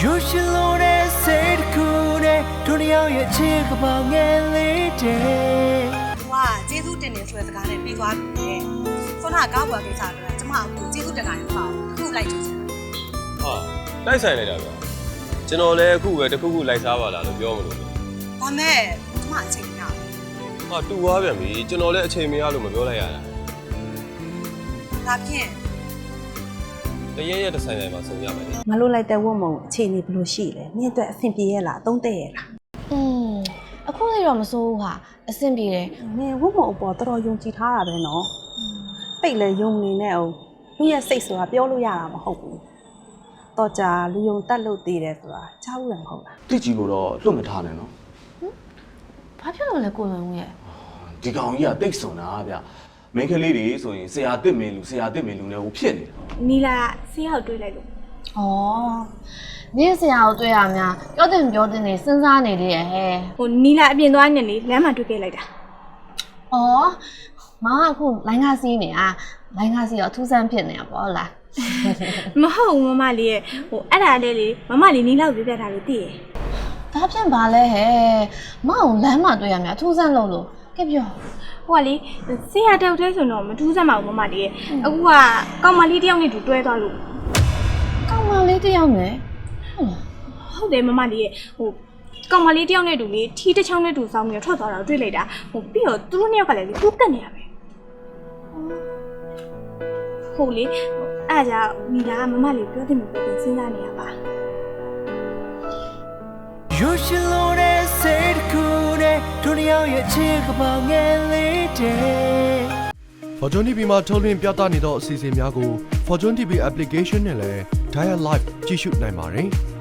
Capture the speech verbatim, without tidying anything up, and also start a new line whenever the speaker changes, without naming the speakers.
You should know that said cool day တို့တယောက်ရဲ့ချစ်ကပောင်ငယ်လေးတဲ့
။ဝါကျေးဇူးတင်နေဆိုတဲ့စကားနဲ့ပြီးသွားပြီလေ။ခုနကကောက်ွယ်ကိစ္စအတွက်ကျမအခုကျေးဇူးတင်တာရပါဘူး။အခုလိုက်ကြည့်ချင်တာ
ဟာတိုက်ဆိုင်လိုက်တာဗျာကျွန်တော်လည်းအခုပဲတစ်ခုခုလိုက်စားပါလားလို့ပြောမလို့
။ဒါမဲ့ကျမအချိန်မရဘူး
ဟာတူသွားပြန်ပြီကျွန်တော်လည်းအချိန်မရလို့မပြောလိုက်ရတာ
။ဒါဖြင့်
တရက်ရက်တစ်ဆိုင်ဆိုင်မှာစုံရမယ်လေ
မလို့လိုက်တဲ့ဝတ်မုံအခြေအနေဘယ်လိုရှိလဲနင့်အတွက်အဆင်ပြေရဲ့လားအသုံးတဲ့ရဲ့လား
อืมအခုလေးတော့မစိုးဘူးဟာအဆင်ပြေတယ်
နင်ဝတ်မုံအပေါ်တော်တော်ယုံကြည်ထားတာပဲနော်တိတ်လည်းယုံနေနဲ့အောင်လူရဲ့စိတ်ဆိုတာပြောလို့ရတာမဟုတ်ဘူးတော့ကြာလူယုံတက်လို့သေးတယ်ဆိုတာကြားဦးရမဟုတ်လား
တိကြီးကိုတော့လွတ်မထားနဲ့နော်
ဘာဖြစ်လို့လဲကိုလွန်ဦးရဲ့
ဒီကောင်ကြီးကတိတ်ဆွန်တာဗျမင်းကလေးတွေဆိုရင်ဆရာတစ်မင်းလူဆရာတစ်မင်းလူနဲ့ဟိုဖြစ်နေတာ
နီလာဆေးရောက်တွေးလိုက်လို့
ဩနင်းဆရာကိုတွေ့ရများပြောတင်ပြောတင်နေစဉ်းစားနေလေရဲ့ဟဲ့
ဟိုနီလာအပြင်သွားနေလေလမ်းမှာတွေ့ခဲ့လိုက်တာ
ဩမကအခုလိုင်းကားစီးနေอ่ะလိုင်းကားစီးတော့အထူးဆန်းဖြစ်နေတာပေါ့ဟုတ်လား
မဟုတ်ဘူးမမလေးရဲ့ဟိုအဲ့ဒါလေးလေမမလေးနီလာကိုပြပြထားလို့သိရယ်
ဒါဖြင့်ဘာလဲဟဲ့မအောင်လမ်းမှာတွေ့ရများအထူးဆန်းလို့လို့ကဲပြော
ဟိုကလေဆေးရတောက်တဲ့ဆိုတော့မထူးစမ်းပါဘူးမမလေးရဲ့အခုကကောင်မလေးတယောက်နဲ့တူတွဲသွားလို့
ကောင်မလေးတစ်ယောက်နဲ့ဟုတ်လား
ဟုတ်တယ်မမလေးရဲ့ဟိုကောင်မလေးတယောက်နဲ့တူလေထီးတစ်ချောင်းနဲ့တူစောင်းပြီးထွက်သွားတာတွေ့လိုက်တာဟိုပြီးတော့သူတို့နှစ်ယောက်ကလည်းလေသူ့ကတ်နေရပဲဟုတ်လေအဲ့ဒါကြောင့်နီလာကမမလေးပြောတယ်မပြောတယ်စဉ်းစားနေရပါ
You should know that said cool day တို့တယောက်ရဲ့ချစ်ကပောင်ငယ်လေးတဲ့
Fortune တီဗီ မှာထုတ်လွှင့်ပြသနေသောအစီအစဉ်များကို Fortune တီဗီ application နဲ့လည်း Dial Live ကြည့်ရှုနိုင်ပါတယ်။